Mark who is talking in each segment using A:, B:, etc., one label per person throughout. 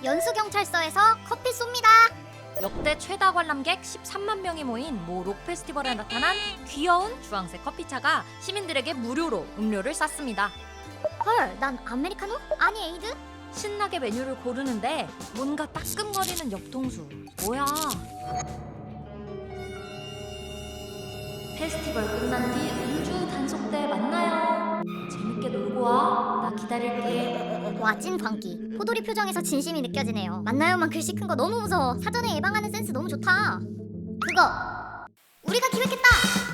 A: 연수경찰서에서 커피 쏩니다.
B: 역대 최다 관람객 13만 명이 모인 모 록 페스티벌에 나타난 귀여운 주황색 커피차가 시민들에게 무료로 음료를 쌌습니다.
A: 헐, 난 아메리카노? 아니 에이드?
B: 신나게 메뉴를 고르는데 뭔가 따끔거리는 옆통수. 뭐야? 페스티벌 끝난 뒤 음주 단속 때 만나요. 재밌게 놀고 와. 나 기다릴게.
A: 와, 찐 광기. 포도리 표정에서 진심이 느껴지네요. 만나요만 글씨 큰 거 너무 무서워. 사전에 예방하는 센스 너무 좋다. 그거 우리가 기획했다.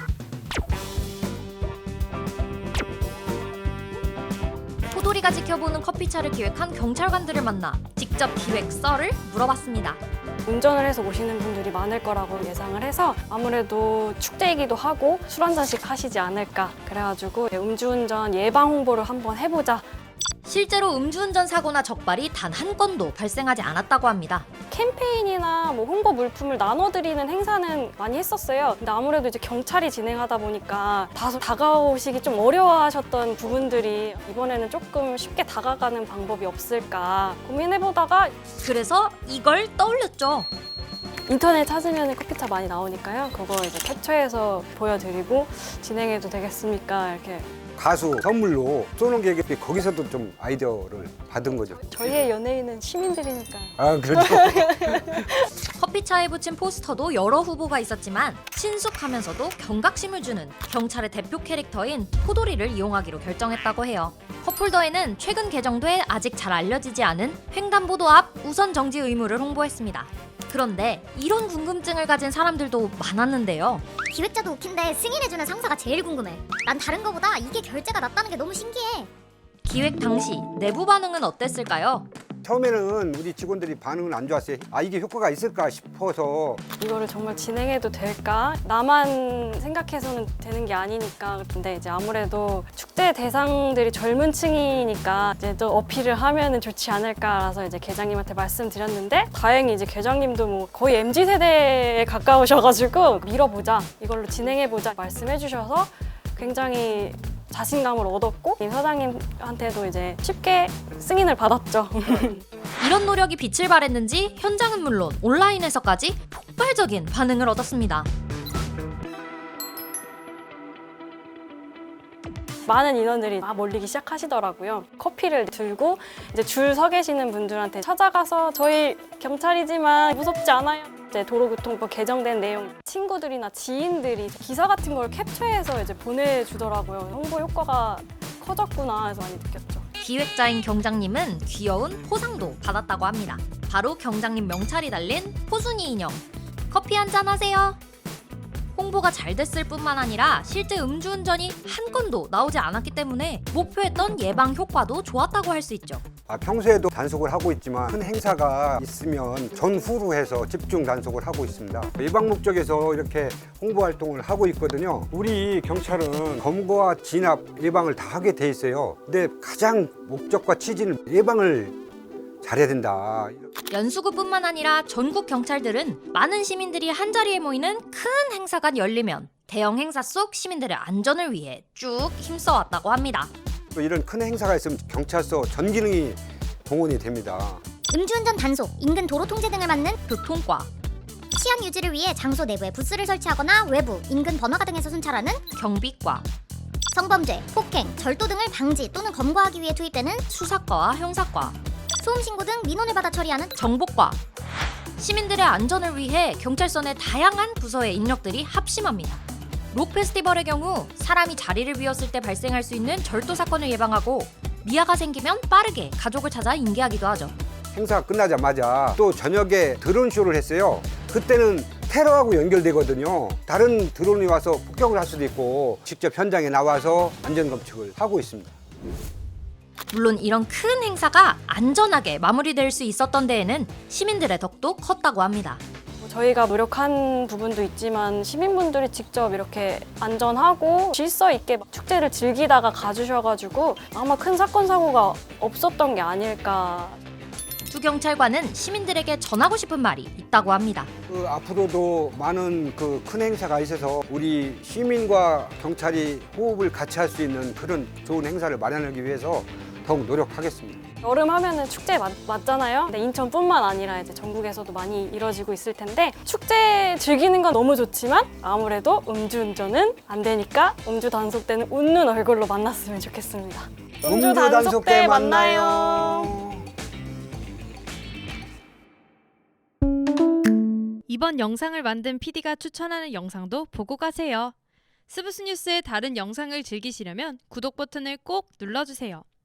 B: 포도리가 지켜보는 커피차를 기획한 경찰관들을 만나 직접 기획 썰을 물어봤습니다.
C: 운전을 해서 오시는 분들이 많을 거라고 예상을 해서 아무래도 축제이기도 하고 술 한 잔씩 하시지 않을까, 그래가지고 음주운전 예방 홍보를 한번 해보자.
B: 실제로 음주운전 사고나 적발이 단 한 건도 발생하지 않았다고 합니다.
C: 캠페인이나 뭐 홍보 물품을 나눠드리는 행사는 많이 했었어요. 근데 아무래도 이제 경찰이 진행하다 보니까 다소 다가오시기 좀 어려워하셨던 부분들이 이번에는 조금 쉽게 다가가는 방법이 없을까 고민해보다가
B: 그래서 이걸 떠올렸죠.
C: 인터넷 찾으면 커피차 많이 나오니까요. 그거 이제 캡처해서 보여드리고 진행해도 되겠습니까? 이렇게.
D: 가수 선물로 쏘는 게 거기서도 좀 아이디어를 받은 거죠.
C: 저희의 연예인은 시민들이니까요.
D: 아, 그렇죠.
B: 커피차에 붙인 포스터도 여러 후보가 있었지만 친숙하면서도 경각심을 주는 경찰의 대표 캐릭터인 포도리를 이용하기로 결정했다고 해요. 컵홀더에는 최근 개정돼 아직 잘 알려지지 않은 횡단보도 앞 우선 정지 의무를 홍보했습니다. 그런데 이런 궁금증을 가진 사람들도 많았는데요.
A: 기획자도 웃긴데 승인해주는 상사가 제일 궁금해. 난 다른 거보다 이게 결제가 낫다는 게 너무 신기해.
B: 기획 당시 내부 반응은 어땠을까요?
D: 처음에는 우리 직원들이 반응은 안 좋았어요. 아, 이게 효과가 있을까 싶어서.
C: 이거를 정말 진행해도 될까? 나만 생각해서는 되는 게 아니니까. 근데 이제 아무래도 축제 대상들이 젊은 층이니까 이제 또 어필을 하면은 좋지 않을까라서 이제 계장님한테 말씀드렸는데, 다행히 이제 계장님도 뭐 거의 MZ 세대에 가까우셔가지고 밀어보자, 이걸로 진행해보자 말씀해 주셔서 굉장히 자신감을 얻었고, 임 사장님한테도 이제 쉽게 승인을 받았죠.
B: 이런 노력이 빛을 발했는지 현장은 물론 온라인에서까지 폭발적인 반응을 얻었습니다.
C: 많은 인원들이 막 몰리기 시작하시더라고요. 커피를 들고 이제 줄 서 계시는 분들한테 찾아가서 저희 경찰이지만 무섭지 않아요. 이제 도로교통법 개정된 내용, 친구들이나 지인들이 기사 같은 걸 캡처해서 이제 보내주더라고요. 홍보 효과가 커졌구나 해서 많이 느꼈죠.
B: 기획자인 경장님은 귀여운 포상도 받았다고 합니다. 바로 경장님 명찰이 달린 포순이 인형. 커피 한잔 하세요. 홍보가 잘 됐을 뿐만 아니라 실제 음주운전이 한 건도 나오지 않았기 때문에 목표했던 예방 효과도 좋았다고 할 수 있죠.
D: 아, 평소에도 단속을 하고 있지만 큰 행사가 있으면 전후로 해서 집중 단속을 하고 있습니다. 예방 목적에서 이렇게 홍보 활동을 하고 있거든요. 우리 경찰은 검거와 진압, 예방을 다 하게 돼 있어요. 근데 가장 목적과 취지는 예방을 잘해야 된다.
B: 연수구뿐만 아니라 전국 경찰들은 많은 시민들이 한자리에 모이는 큰 행사가 열리면 대형 행사 속 시민들의 안전을 위해 쭉 힘써왔다고 합니다.
D: 또 이런 큰 행사가 있으면 경찰서 전 기능이 동원이 됩니다.
A: 음주운전 단속, 인근 도로 통제 등을 맡는
B: 교통과,
A: 치안 유지를 위해 장소 내부에 부스를 설치하거나 외부, 인근 번화가 등에서 순찰하는
B: 경비과,
A: 성범죄, 폭행, 절도 등을 방지 또는 검거하기 위해 투입되는
B: 수사과와 형사과,
A: 소음 신고 등 민원을 받아 처리하는
B: 정보과. 시민들의 안전을 위해 경찰서 내 다양한 부서의 인력들이 합심합니다. 록 페스티벌의 경우 사람이 자리를 비웠을 때 발생할 수 있는 절도 사건을 예방하고 미아가 생기면 빠르게 가족을 찾아 인계하기도 하죠.
D: 행사 끝나자마자 또 저녁에 드론 쇼를 했어요. 그때는 테러하고 연결되거든요. 다른 드론이 와서 폭격을 할 수도 있고 직접 현장에 나와서 안전검측을 하고 있습니다.
B: 물론 이런 큰 행사가 안전하게 마무리될 수 있었던 데에는 시민들의 덕도 컸다고 합니다.
C: 저희가 노력한 부분도 있지만 시민분들이 직접 이렇게 안전하고 질서 있게 축제를 즐기다가 가주셔가지고 아마 큰 사건 사고가 없었던 게 아닐까.
B: 두 경찰관은 시민들에게 전하고 싶은 말이 있다고 합니다.
D: 앞으로도 많은 큰 행사가 있어서 우리 시민과 경찰이 호흡을 같이 할 수 있는 그런 좋은 행사를 마련하기 위해서 더욱 노력하겠습니다.
C: 여름 하면은 축제 맞잖아요. 근데 인천뿐만 아니라 이제 전국에서도 많이 이뤄지고 있을 텐데 축제 즐기는 건 너무 좋지만 아무래도 음주운전은 안 되니까 음주 단속 때는 웃는 얼굴로 만났으면 좋겠습니다. 음주 단속 때 만나요.
E: 이번 영상을 만든 PD가 추천하는 영상도 보고 가세요. 스브스 뉴스의 다른 영상을 즐기시려면 구독 버튼을 꼭 눌러주세요.